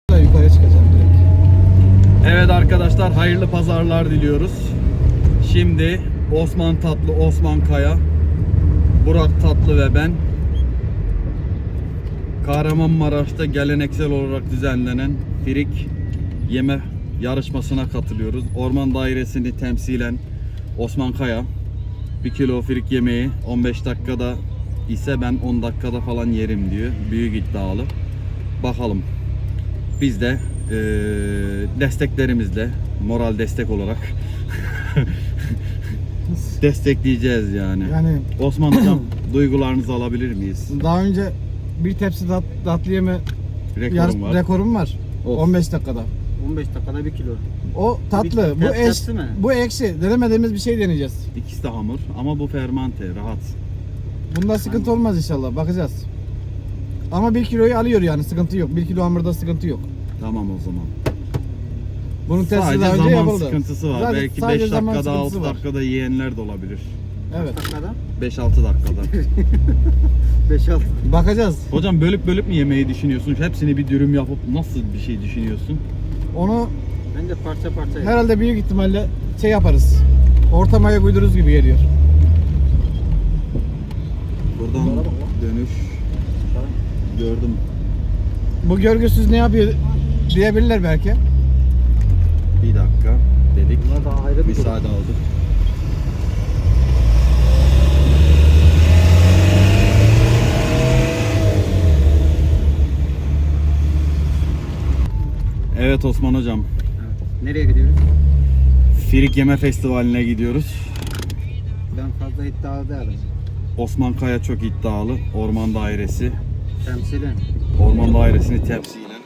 Yukarıya çıkacağım direkt. Evet arkadaşlar, hayırlı pazarlar diliyoruz. Şimdi Osman Tatlı, Osman Kaya, Burak Tatlı ve ben Kahramanmaraş'ta geleneksel olarak düzenlenen Firik yeme yarışmasına katılıyoruz. Orman dairesini temsilen Osman Kaya 1 kilo firik yemeği 15 dakikada ise ben 10 dakikada falan yerim diyor. Büyük iddialı. Bakalım. Biz de desteklerimizle, moral destek olarak destekleyeceğiz yani. Yani Osman hocam, duygularınızı alabilir miyiz? daha önce bir tepsi tatlı yeme rekorum var. Of. 15 dakikada. 15 dakikada 1 kilo. O tatlı, bu tatlısı mı? bu ekşi. Denemediğimiz bir şey deneyeceğiz. İkisi de hamur ama bu fermante, rahat. Bunda sıkıntı olmaz inşallah. Bakacağız. Ama 1 kiloyu alıyor yani, sıkıntı yok. 1 kilo hamurda sıkıntı yok. Tamam o zaman. Bunun testi Sadece daha önce zaman yapıldı. sıkıntısı var. Zaten Belki sadece 5 zaman dakikada, 6 sıkıntısı var. dakikada yiyenler de olabilir. Evet. Dakikada 5-6 dakikada. 5-6. Bakacağız. Hocam bölüp bölüp mü yemeyi düşünüyorsun? Hepsini bir dürüm yapıp nasıl bir şey düşünüyorsun? Onu Bence parça parça. herhalde büyük ihtimalle şey yaparız. Ortamaya uydururuz gibi geliyor. Buradan dönüş gördüm. Bu görgüsüz ne yapıyor diyebilirler belki. Bir dakika dedik. Bunlar daha ayrı bir Müsaade aldık. Evet Osman hocam, Evet. Nereye gidiyoruz? Firik Yeme Festivali'ne gidiyoruz. Ben fazla iddialı değilim. Osman Kaya çok iddialı. Orman Dairesi. Temsilen. Orman Dairesi'ni temsilen.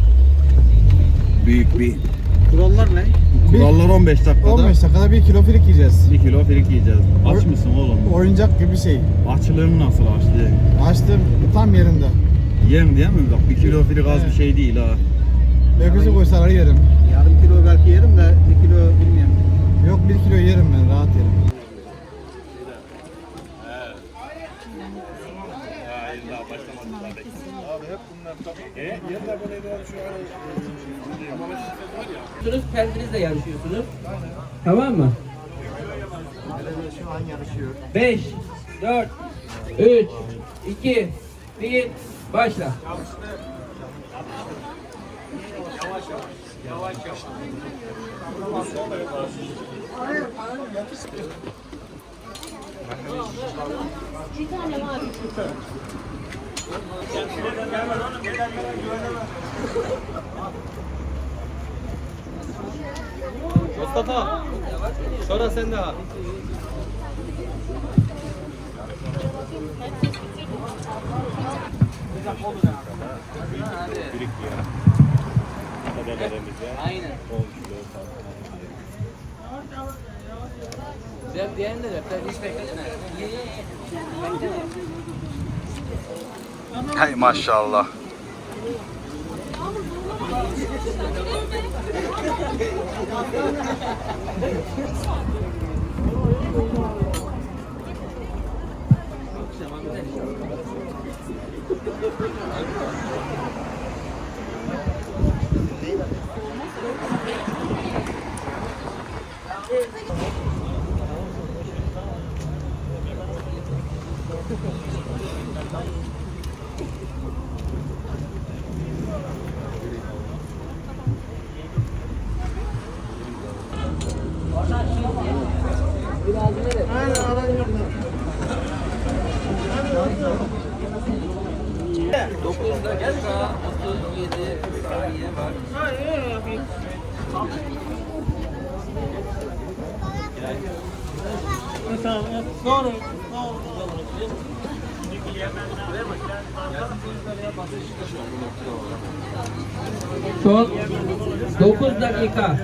Büyük bir Kurallar ne? kurallar 15 dakikada 15 dakikada 1 kilo firik yiyeceğiz. 1 kilo firik yiyeceğiz. Aç mısın oğlum? Oyuncak gibi bir şey. Açlığın nasıl açlığı? Açtım tam yerinde. Yerim değil mi? Bak 1 kilo firik az bir şey değil ha. Öküzü koysalar yerim. Yarım kilo belki yerim de 1 kilo bilmiyorum. Yok 1 kilo yerim ben, rahat yerim. Kendinizle yarışıyorsunuz. Tamam mı? Şu an yarışıyor. 5, 4, 3, 2, 1, başla. Mustafa, sonra sen de abi. Aynen. Güzel diğerini de hiç bekletme. Hay maşallah. Dakika 37 saniye var. Son 9 dakika.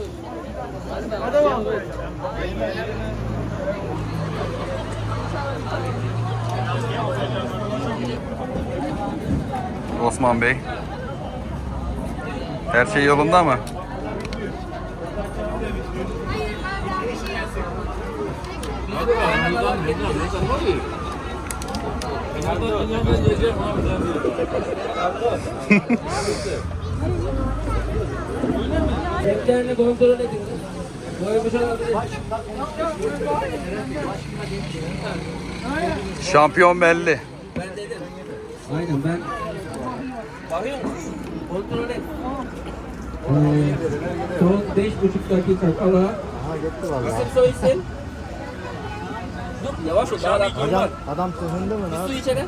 Osman Bey. Her şey yolunda mı? Renklerini kontrol edin. Boyamış olabilir. Şampiyon belli. Ben dedim. Aynen ben. Bakıyor musun? Kontrol et. Son 5,5 dakika kala. Aha gitti valla. İsim soy isim. Dur yavaş ol. Daha dakika var. Adam sızındı mı Bir lan? su içelim.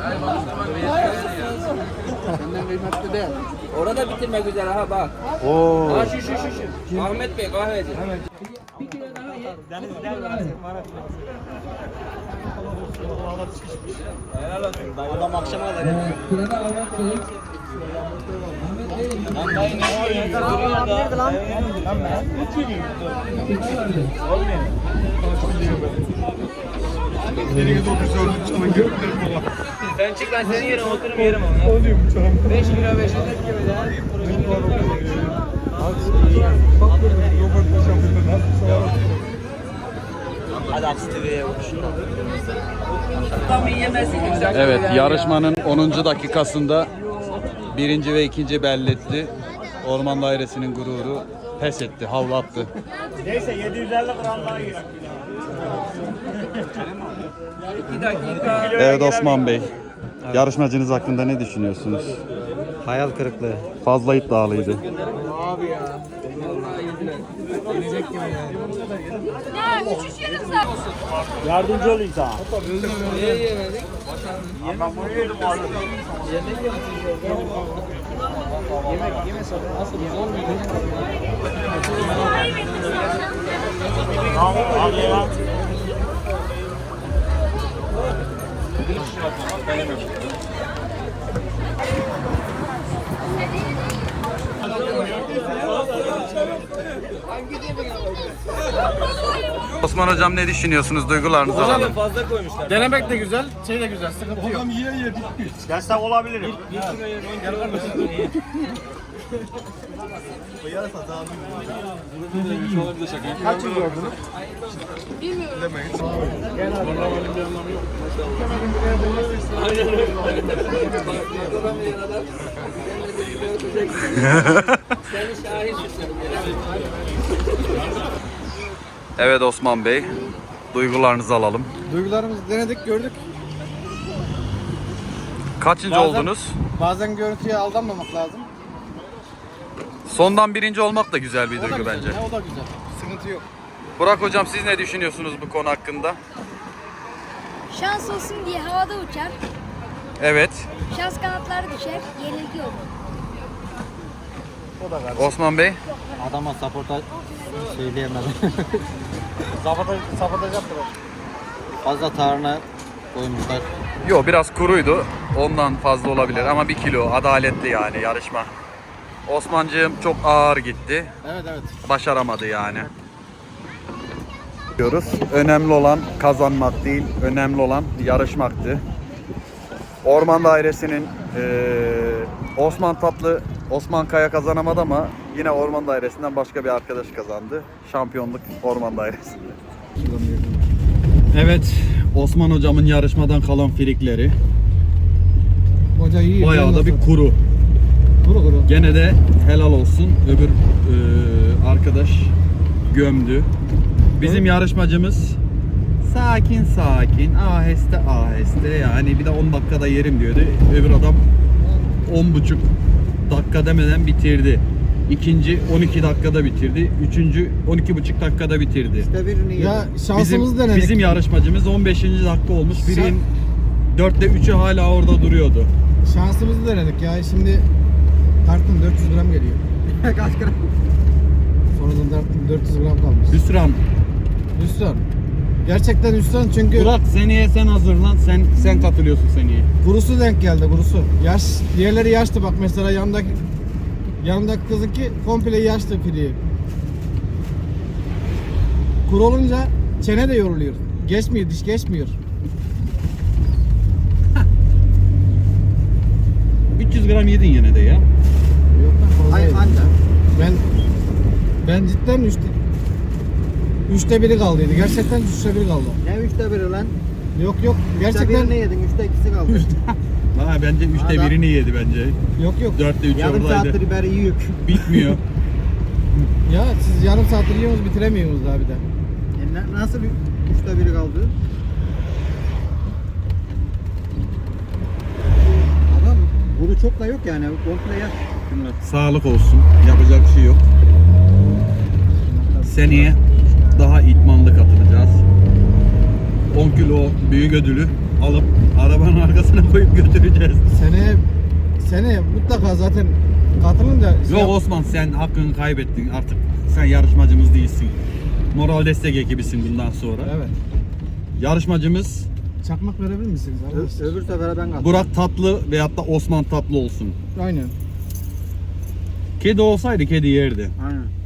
Senden kıymetli değil. Orada bitirmek üzere ha bak. Oo. Ha şu. Ahmet Bey kahveci. Bir kilo daha ye. Deniz Adam akşama kadar Sırada Ahmet Bey. Ahmet Bey. Nerede lan? Sen çık ben senin yerine oturup yerim onu. Olayım canım. 5 kilo 5 gibi de. Hadi Akstive'ye uçuşun. Tam yiyemezsin. Güzel. Evet, yarışmanın 10. dakikasında birinci ve ikinci belli etti. Orman Dairesi'nin gururu pes etti, havlu attı. Neyse 750 gram daha gir. 2 dakika. Evet Osman Bey, yarışmacınız hakkında ne düşünüyorsunuz? Hayal kırıklığı. Fazla iddialıydı. Ya uçuş yarım saat. Yardımcı olayım sana. Niye yemedik? Ben bunu yedim abi. Tamam abi ya. Osman Hocam ne düşünüyorsunuz? Duygularınızı alalım. Fazla koymuşlar. Denemek de güzel, şey de güzel, sıkıntı yok. Destek olabilirim. Kaç yıl gördünüz? Seni şahit tutarım. Evet Osman Bey, duygularınızı alalım. Duygularımızı denedik, gördük. Kaçıncı oldunuz? Bazen görüntüye aldanmamak lazım. Sondan birinci olmak da güzel bir O da duygu güzel, bence. O da güzel. Sıkıntı yok. Burak Hocam siz ne düşünüyorsunuz bu konu hakkında? Şans olsun diye havada uçar. Evet, Şans kanatları düşer. Yenilgi olur. Osman Bey. Adama supporta söyleyemedim. Sapatacaktır o. Fazla tarhana koymuşlar. Yo biraz kuruydu. Ondan fazla olabilir ama 1 kilo adaletli yani yarışma. Osmancığım çok ağır gitti. Evet. Başaramadı yani. Diyoruz. Önemli olan kazanmak değil, önemli olan yarışmaktı. Orman Dairesi'nin Osman Kaya kazanamadı ama yine Orman Dairesi'nden başka bir arkadaş kazandı. Şampiyonluk Orman Dairesi'nde. Evet, Osman Hocam'ın yarışmadan kalan firikleri Hoca iyi. bayağı da bir kuru. Kuru. Gene de helal olsun. Öbür arkadaş gömdü. Bizim yarışmacımız sakin aheste yani bir de 10 dakikada yerim diyordu. Öbür adam 10,5 dakika demeden bitirdi. İkinci 12 dakikada bitirdi. Üçüncü 12,5 dakikada bitirdi. İşte birini yedim. Ya şansımızı denedik. Bizim yarışmacımız 15. dakika olmuş. Birin 4'te 3'ü hala orada duruyordu. Şansımızı denedik ya. Şimdi tarttım 400 gram geliyor. Kaç gram? Sonradan tarttım 400 gram kalmış. Hüsran. Hüsran. Gerçekten hüsran çünkü Burak seneye sen hazırlan. Sen katılıyorsun seneye. kurusu denk geldi kurusu. Yaş, diğerleri yaşlı bak mesela yanındaki kızınki komple yaşlı piriği. Kuru olunca çene de yoruluyor. Geçmiyor, diş geçmiyor. 300 gram yedin yine de ya. Yok lan fazla Hayır yedim. anca. Ben cidden üçte biri kaldıydı. Gerçekten üçte biri kaldı. Ne 3'te 1'i lan? Yok 3'te gerçekten 1'ini yedin 3'te 2'si kaldı. Daha Ha bence 3'te Adam- 1'ini yedi bence. Yok yok. 4'te 3 Yarım oradaydı. saattir biberi yiyük. Bitmiyor. Ya siz yarım saattir yiyorsunuz bitiremiyorsunuz daha bir de. Nasıl bir 3'te 1'i kaldı? Adam bunu çok da yok yani. Komple yer. Şunlar. Sağlık olsun. Yapacak bir şey yok. Seneye daha idmanlı katılacağız. 10 kilo büyük ödülü alıp arabanın arkasına koyup götüreceğiz. Seneye mutlaka zaten katılınca Yok Osman, sen hakkını kaybettin artık. Sen yarışmacımız değilsin. Moral destek ekibisin bundan sonra. Evet. Yarışmacımız Çakmak verebilir misiniz arkadaşlar? Öbür sefere ben kaldım. Burak Tatlı veyahut da Osman Tatlı olsun. Aynen. Kedi olsaydı kedi yerdi. Aynen.